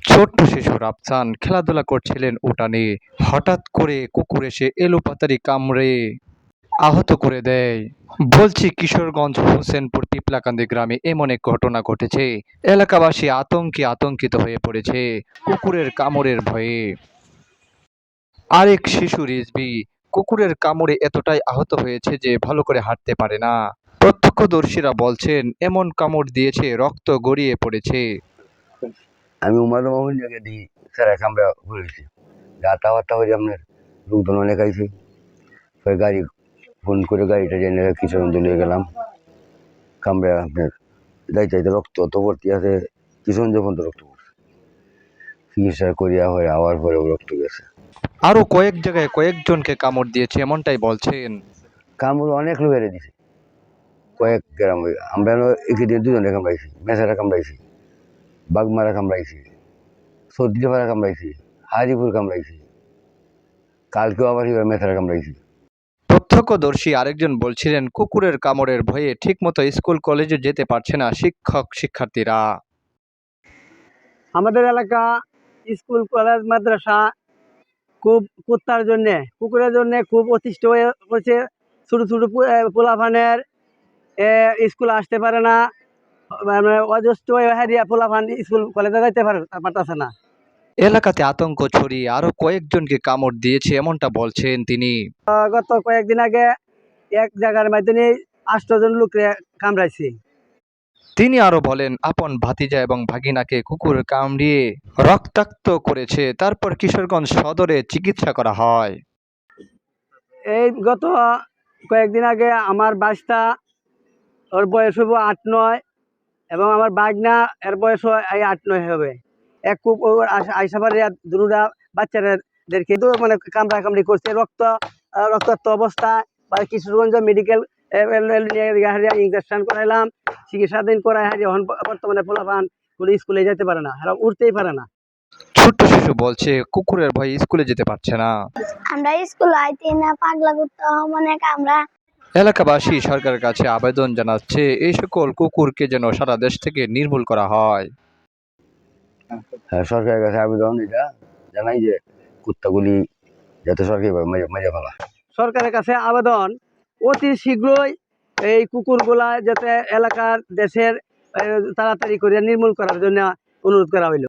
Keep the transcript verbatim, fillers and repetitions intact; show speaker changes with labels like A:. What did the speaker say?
A: ছোট্ট শিশু রাফসান খেলাধুলা করছিলেন উঠানে। হঠাৎ করে কুকুর এসে এলোপাতাড়ি কামড়ে আহত করে দেয়। বলছি কিশোরগঞ্জ হোসেনপুর পিপলাকান্দি গ্রামে এমন এক ঘটনা ঘটেছে। এলাকাবাসী আতঙ্কে আতঙ্কিত হয়ে পড়েছে কুকুরের কামড়ের ভয়ে। আরেক শিশু রিজভী কুকুরের কামড়ে এতটাই আহত হয়েছে যে ভালো করে হাঁটতে পারে না। প্রত্যক্ষদর্শীরা বলছেন এমন কামড় দিয়েছে রক্ত গড়িয়ে পড়েছে।
B: আমি উমার মোহন জায়গায় দিই স্যার আমরা ঘুরেছি যাতায়াতটা হয়ে আপনার লোকজন অনেক আইছি ওই গাড়ি ফোন করে গাড়িটা জেনে কিশোরগঞ্জ নিয়ে গেলাম। কামড়ে আপনার যাইতে যাইতে রক্ত অত ভর্তি আছে, কিশোরগঞ্জ পর্যন্ত রক্ত পড়ছে, চিকিৎসা করিয়া হয়ে আওয়ার পরেও রক্ত গেছে।
A: আরো কয়েক জায়গায় কয়েকজনকে কামড় দিয়েছে এমনটাই বলছেন।
B: কামড় অনেক লোকের দিছে, কয়েক গ্রাম আমরা এখানে দুজনে কামড়াইছি, মেসারা কামড়াইছি, বাগমারা কামড়াইছি, সর্দিপাড়া কামড়াইছি, হাজিপুর কামড়াইছি, কালকেও আবার এবার মেসারা কামড়াইছি।
A: প্রত্যক্ষদর্শী আরেকজন বলছিলেন কুকুরের কামড়ের ভয়ে ঠিকমতো স্কুল কলেজে যেতে পারছে না শিক্ষক শিক্ষার্থীরা।
C: আমাদের এলাকা স্কুল কলেজ মাদ্রাসা খুব কুত্তার জন্যে কুকুরের জন্যে খুব অতিষ্ঠ হয়ে পড়ছে। ছোটো ছোটো পোলাফানের স্কুল আসতে পারে না, মানে অজস্র হারিয়া পোলাফান স্কুল কলেজে যাইতে পারে পারতেছে না।
A: এলাকাতে আতঙ্ক ছড়িয়ে আরো কয়েকজনকে কামড় দিয়েছে এমনটা বলছেন তিনি।
C: গত কয়েকদিন আগে এক জায়গার মাধ্যমে আটজন লোকরে কামড়াইছে।
A: তিনি আরো বলেন আপন ভাতিজা এবং ভাগিনাকে কুকুর কামড়িয়ে রক্তাক্ত করেছে, তারপর কিশোরগঞ্জ সদরে চিকিৎসা করা হয়।
C: এই গত কয়েকদিন আগে আমার বাচ্চা, ওর বয়স হবো আট নয়, এবং আমার বাগনা এর বয়স এই আট নয় হবে। এক খুব আইসাবার দুটা বাচ্চাদের কিন্তু মানে কামড়া কামড়ি করছে, রক্ত রক্তাক্ত অবস্থা। বা কিশোরগঞ্জ মেডিকেল ইঞ্জেকশন করাইলাম, চিকিৎসাধীন করাই হারি এখন বর্তমানে পোলাপান কোনো স্কুলে যেতে পারে না, এরা উঠতেই পারে না।
A: ছোট্ট শিশু বলছে কুকুরের ভয়ে স্কুলে যেতে পারছে না।
D: আমরা স্কুল আইতে না, পাগলা কুত্তা মানে আমরা।
A: এলাকাবাসী সরকারের কাছে আবেদন জানাচ্ছে এই সকল কুকুরকে যেন সারা দেশ থেকে নির্মূল করা হয়।
B: হ্যাঁ, সরকারের কাছে আবেদন এটা জানাই যে কুত্তাগুলি যাতে সরকারিভাবে মেরে ফেলা।
C: সরকারের কাছে আবেদন অতি শীঘ্রই এই কুকুরগুলা যাতে এলাকার দেশের তাড়াতাড়ি করে নির্মূল করার জন্য অনুরোধ করা হইল।